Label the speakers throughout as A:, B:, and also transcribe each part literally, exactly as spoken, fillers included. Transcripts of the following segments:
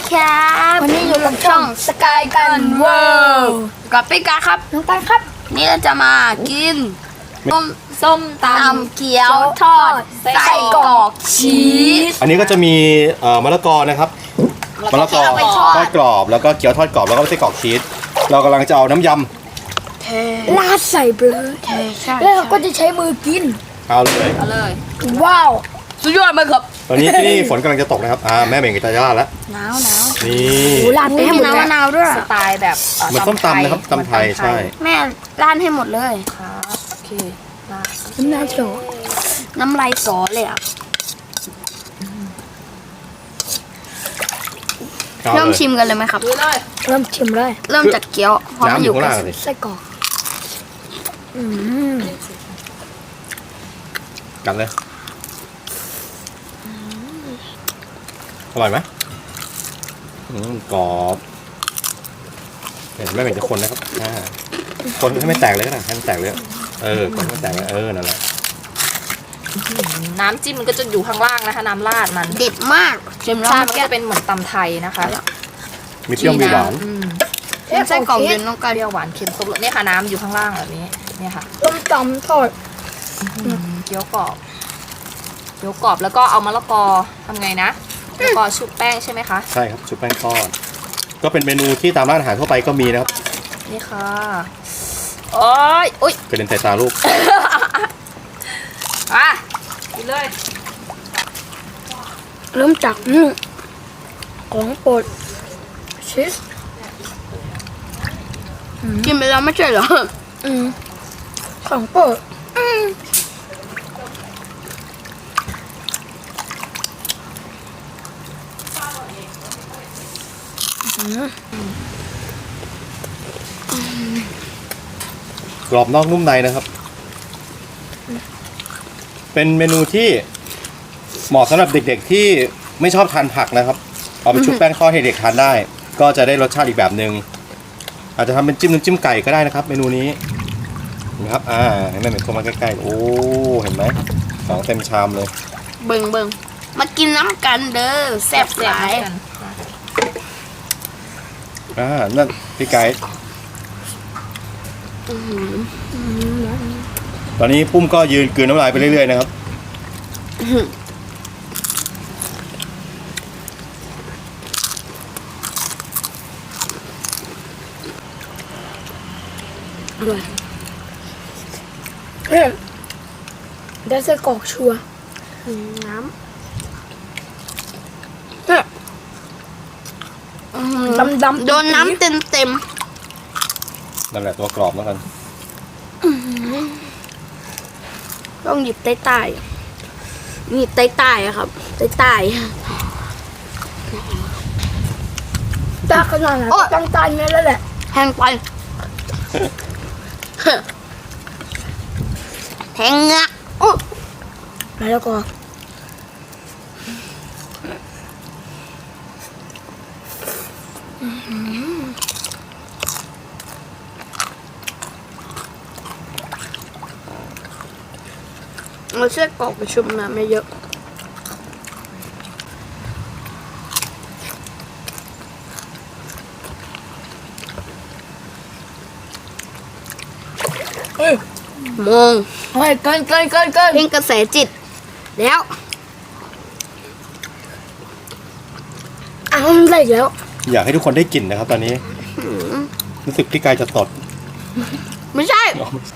A: ครับ
B: วันนี้อยู่กับช่องสกายกันเวิลด์
A: กับพี่กาครับ
B: น้องกันครับ
A: นี่เราจะมากิน
B: ส้มส้มต
A: ตำเกี๊ยวทอด
B: ำ
A: ไส้กรอกชีส
C: อันนี้ก็จะมีเอ่อมะละกอนะครับมะละกอ
A: เอาไปทอด
C: ทอดกรอบแล้วก็เกี๊ยวทอดกรอบแล้วก็ไส้กรอกชีสเรากำลังจะเอาน้ำย
B: ราดใส่ไปเลย
A: ใช่ใช่
B: แล้วเราก็จะใช้มือกิน
C: ำเอาเลย
A: เอาเลย
B: ว้าว
A: สุดยอดมากครับ
C: ตอนนี้ที่นี่ฝนกำลังจะตกนะครับอ่าแม่เบ่งกับตาย่าแล้ว
A: หนาวหนาว
C: นี่
B: โอ้ราดไปให้
A: มี
B: หมด
A: น้ำ
B: เล
A: มะ
B: ย
A: นาวด้วย
D: สไตล์แบบ
C: เหมือนส้มตำนะครับตำไทยใช่
A: แม่ร้านให้หมดเลย
D: ครับโอเคมา
B: น้ำลายโฉ
A: น้ำลายสอเลยอ่ะ
C: เอา
A: เริ่ม
C: เลย
A: ชิมกันเลยไหมครับ
D: ดูเลย
B: เริ่มชิมเลย
A: เริ่มจากเกี๊ยวเพราะมัน
C: น้ำ
A: อ
C: อยู่
A: ยู่
C: ข้าง
A: ใก
C: ล่าง
A: ล้
C: เลย
B: ไส้กรอกอืม
C: กันเลยอร่อยไหมอืมกรอบเห็นแม่เบ่งจะคนนะครับอ่าคนให้ไม่แตกเลยก็ได้ให้มันแตกเลยเออคนให้ไม่แตกเลยเออนั่นแหละ
D: น้ำจิ้มมันก็จะอยู่ข้างล่างนะคะ น้ำราดมัน
A: เด็ดมากชิมแล้ว
D: ใช่มัน
A: เมื่อ
D: ก็
A: กี้
D: จะเป็นเหมือนตำไทยนะคะ
C: มีเปรี้ยวมีหวาน
D: อืม
A: ชิมไส้กรอกเย็นน้อง
D: เป
A: กัน
D: รี้ยวหวานเค็มครบรสเนี่ยค่ะน้ำอยู่ข้างล่างแบบนี้เนี่ยค่ะ
B: ส้มตำทอด
D: อืมเกี๊ยวกรอบเกี๊ยวกรอบแล้วก็เอามะละกอทำไงนะมะละกอชุบแป้งใช่ไหมคะ
C: ใช่ครับชุบแป้งทอดก็เป็นเมนูที่ตามร้านอาหารทั่วไปก็มีนะครับ
D: นี่ค่ะโอ้ยอุ้ย
C: กระเด็นใส่ตาลูก
D: อ่ะกินเลย
B: เริ่มจากอืมของโปรดชีส
A: กินไปแล้วไม่ใช่เหรอ
B: อืมของโปรดอืมอืม
C: กรอบนอกนุ่มในนะครับ เป็นเมนูที่เหมาะสำหรับเด็กๆที่ไม่ชอบทานผักนะครับ เอาไปชุบแป้งทอดให้เด็กทานได้ ก็จะได้รสชาติอีกแบบหนึ่งอาจจะทำเป็นจิ้มน้ำจิ้มไก่ก็ได้นะครับ เมนูนี้นะครับอ่าให้แม่เหม็นเข้ามาใกล้ๆโอ้เห็นไหมของเต็มชามเลย
A: เบิ่งเบิ่งมากินน้ำกันเด้อแซ่บหลาย
D: กัน
C: อ่านั่นพี่ไก่ตอนนี้ปุ้มก็ยืนกลืนน้ำลายไปเรื่อยๆนะครับ
B: อร่อยเฮ้ยได้ไส้กรอกชัวร์
A: น้
B: เนี่ย
A: ำ
B: ดำดำ
A: โดนน้ำเต็มเต็ม
C: นั่นแหละตัวกรอบแล้วกัน
A: ๆต้องหยิบใต้ใต้ๆหยิบใต้ใต้ๆอะครับใต้ใต้
B: ตาขนาดไหนก็ต้องตายเนี่ยแล้วแหละ
A: แทงไป แทงเงะโอ้
B: แล้วก็
A: เอาเส้นกรอกไปชุบน้ำไม่เยอะ
B: เฮ้ย
A: มอง
B: เฮ้ยเกินเกินเกินเกิน
A: เพ่งกระแสจิต แล้ว
B: อ้าวมันได้อีกแล้ว
C: อยากให้ทุกคนได้กลิ่นนะครับ ตอนนี้รู้สึกพี่กายจะตด
A: ไม่ใช่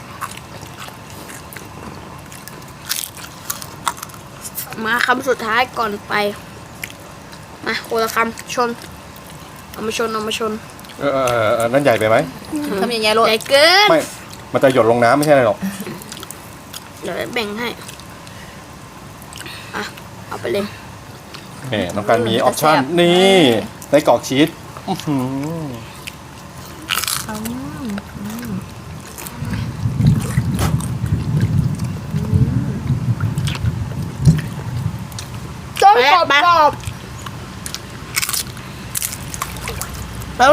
A: มาคำสุดท้ายก่อนไป มาโคนละคำชน เอามาชน เอามาชน
C: เออเออเออนั่นใหญ่ไปไหม
D: ทำยังไงโรด
A: ใหญ่เกิน
C: ไม่ มันจะหยดลงน้ำไม่ใช่อะไรหรอก
A: เดี๋ยวแบ่งให้ อ่ะ เอาไปเลย
C: แหมน้องการมีออปชั่นนี่ไส้กรอกชีสอื้อหือ
B: ต้มกรอบ
A: แปะ
B: กรอบ
A: แล้ว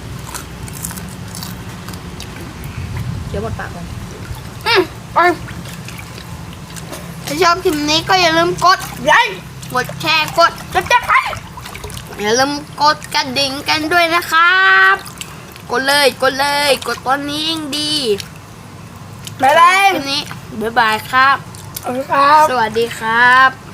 D: เดี๋ยวหมดปากเลย
A: อืมไปถ้าชอบคลิปนี้ก็อย่าลืมกดไลค์กดแชร์ กดติดตามอย่าลืมกดกระดิ่งกันด้วยนะครับ กดเลยกดเลยกดตอนนี้ยิ่งดี
B: บ๊ายบาย
A: วันนี้บ๊ายบายครับ
B: ขอบคุณครับ
A: สวัสดีครับ